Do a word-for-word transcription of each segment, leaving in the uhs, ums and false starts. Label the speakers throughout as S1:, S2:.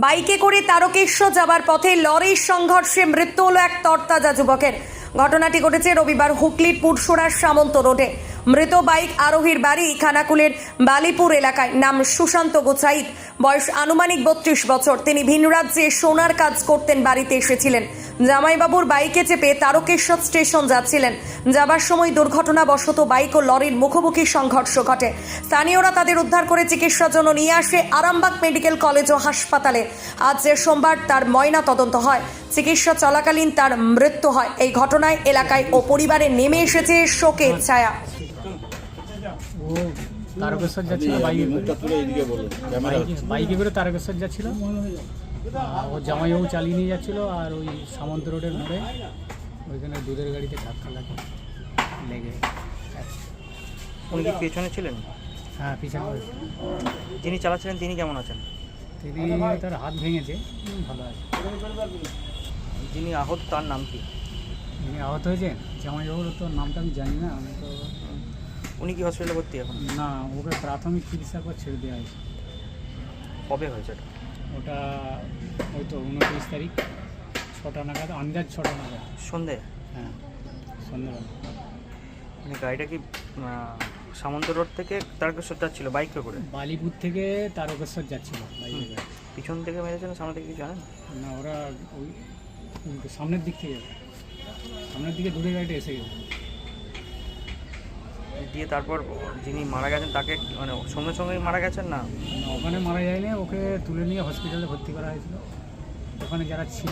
S1: বাইকে করে তারকেশ্বর যাবার পথে লরির সংঘর্ষে মৃত্যু হলো এক তরতাজা যুবকের। ঘটনাটি ঘটেছে রবিবার হুগলির পুরসুরার সামন্ত রোডে। মৃত বাইক আরোহীর বাড়ি খানাকুলের বালিপুর এলাকায়। নাম সুশান্ত গোছাইত, বয়স আনুমানিক বত্রিশ বছর। তিনি ভিন রাজ্যে সোনার কাজ করতেন, বাড়িতে এসেছিলেন। জামাইবাবুর বাইকে চেপে তারকেশ্বর স্টেশন যাচ্ছিলেন। যাবার সময় দুর্ঘটনাবশত বাইক ও লরির মুখোমুখি সংঘর্ষ ঘটে। স্থানীয়রা তাদের উদ্ধার করে চিকিৎসার জন্য নিয়ে আসে আরামবাগ মেডিকেল কলেজ ও হাসপাতালে। আজ যে সোমবার তার ময়না তদন্ত হয়। চিকিৎসা চলাকালীন তার মৃত্যু হয়। এই ঘটনায় এলাকায় ও পরিবারে নেমে এসেছে শোকের ছায়া।
S2: ও তারকেশ্বর যাচ্ছিল বাইকে বাইকে করে তারকেশ্বর যাচ্ছিল। ও জামাইবাবু চালিয়ে নিয়ে যাচ্ছিল, আর ওই সামন্ত রোডের মোড়ে ওইখানে দুধের গাড়িতে ধাক্কা লাগে লেগে।
S3: উনি কি পেছনে ছিলেন?
S2: হ্যাঁ, পিছনে।
S3: যিনি চালাচ্ছিলেন তিনি কেমন আছেন?
S2: তিনি তার হাত ভেঙেছে, ভালো আছে।
S3: যিনি আহত তার নাম কি?
S2: যিনি আহত হয়েছেন জামাইবাবুর তো নামটা আমি জানি না। আমি তো
S3: উনি কি হসপিটালে ভর্তি এখন?
S2: না, ওকে প্রাথমিক চিকিৎসার পর ছেড়ে দেওয়া হয়েছে।
S3: কবে হয়েছে এটা?
S2: ওটা ওই তো উনত্রিশ তারিখ ছটা নাগাদ, আন্দাজ ছটা নাগাদ
S3: সন্ধে।
S2: হ্যাঁ, সন্ধ্যাবেলা।
S3: মানে গাড়িটা কি সামন্ত রোড থেকে তারকেশ্বর যাচ্ছিল বাইকে করে?
S2: বালিপুর থেকে তারকেশ্বর যাচ্ছিল বাইকে করে।
S3: পিছন থেকে মেরেছেন, সামনে থেকে কিছু জানেন
S2: না? ওরা ওই সামনের দিক থেকে সামনের দিকে দূরে গাড়িটা এসে গেছে
S3: দিয়ে। তারপর যিনি মারা গেছেন তাকে মানে সঙ্গে সঙ্গেই মারা গেছেন না?
S2: ওখানে মারা যায়নি, ওকে তুলে নিয়ে হসপিটালে ভর্তি করা হয়েছিল। ওখানে যারা ছিল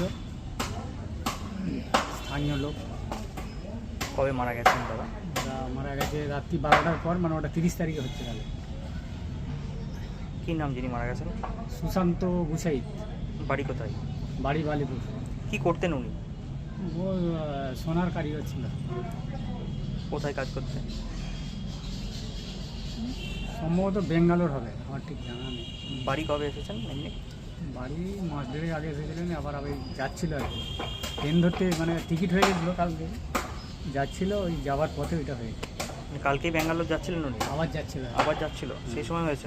S2: স্থানীয় লোক।
S3: কবে মারা গেছেন দাদা?
S2: ওরা মারা গেছে রাত্রি বারোটার পর, মানে ওটা তিরিশ তারিখে হচ্ছে। তাহলে
S3: কী নাম যিনি মারা গেছেন?
S2: সুশান্ত গোছাইত।
S3: বাড়ি কোথায়?
S2: বাড়ি বালিপুর।
S3: কি করতেন উনি?
S2: ও সোনার কারিগর ছিল।
S3: কোথায় কাজ করতেন?
S2: সম্ভবত বেঙ্গালোর হবে, আমার ঠিক জানা নেই।
S3: বাড়ি কবে এসেছেন এমনি?
S2: বাড়ি মাস দেড়েক আগে এসেছিলেন, আবার আবার যাচ্ছিল আর কি। ট্রেন ধরতে মানে টিকিট হয়ে গেছিলো কালকে, যাচ্ছিল, ওই যাওয়ার পথে ওইটা হয়ে গেছে।
S3: কালকেই ব্যাঙ্গালোর যাচ্ছিলেন উনি?
S2: আবার যাচ্ছিল
S3: আবার যাচ্ছিল সেই সময় হয়েছে?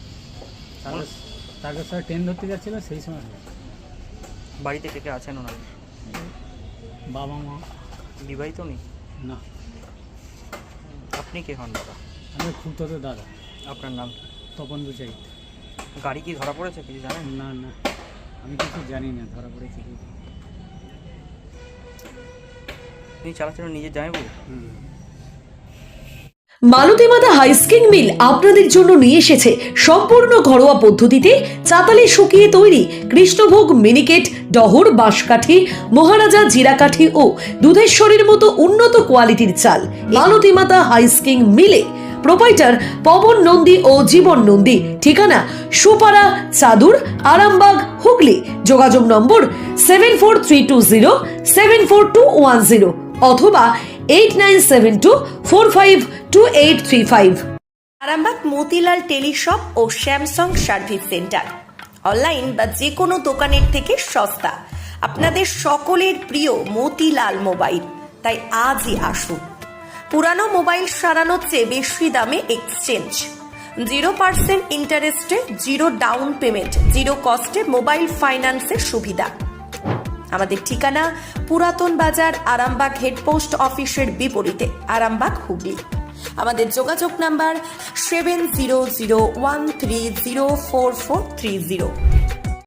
S2: তারপর স্যার ট্রেন ধরতে যাচ্ছিল, সেই সময় হয়েছে।
S3: বাড়িতে কে কে আছেন ওনার?
S2: বাবা মা।
S3: বিবাহিত উনি?
S2: না।
S3: আপনি কে হন দাদা?
S2: আমি খুব তো দাদা।
S3: আপনার নাম কি?
S2: তপন গোছাইত।
S3: গাড়ি কি ধরা পড়েছে কিছু জানেন?
S2: না না, আমি কিছু জানি না ধরা পড়েছে কি।
S3: তিনি চালাচ্ছিলেন নিজের জামাইবাবু?
S2: হুম।
S4: মালতী মাতা হাইস্কিং মিল আপনাদের জন্য নিয়ে এসেছে সম্পূর্ণ ঘরোয়া পদ্ধতিতে চাতালে শুকিয়ে তৈরি কৃষ্ণভোগ, মিনিকেট, ডহর, বাঁশকাঠি, মহারাজা, জিরাকাঠি ও দুধেশ্বরীর মতো উন্নত কোয়ালিটির চাল। মালতী মাতা হাইস্কিং মিলে প্রোপাইটার পবন নন্দী ও জীবন নন্দী। ঠিকানা সুপারা, চাদুর, আরামবাগ, হুগলি। যোগাযোগ number seven four three two zero seven four two one zero অথবা eight nine seven two four five two eight three five.
S1: Arambagh Motilal teleshop ও স্যামসাং সার্ভিস সেন্টার। অনলাইন বা যে কোনো দোকানের থেকে সস্তা। আপনাদের সকলের প্রিয় মতিলাল মোবাইল। তাই আজই আসুন। পুরানো মোবাইল সারানোর চেয়ে বেশি দামে এক্সচেঞ্জ। জিরো পার্সেন্ট ইন্টারেস্টে, জিরো ডাউন পেমেন্ট, জিরো কস্টে মোবাইল ফাইন্যান্সের সুবিধা। আমাদের ঠিকানা পুরাতন বাজার, আরামবাগ হেডপোস্ট অফিসের বিপরীতে, আরামবাগ, হুগলি। আমাদের যোগাযোগ number seven zero zero one three zero four four three zero.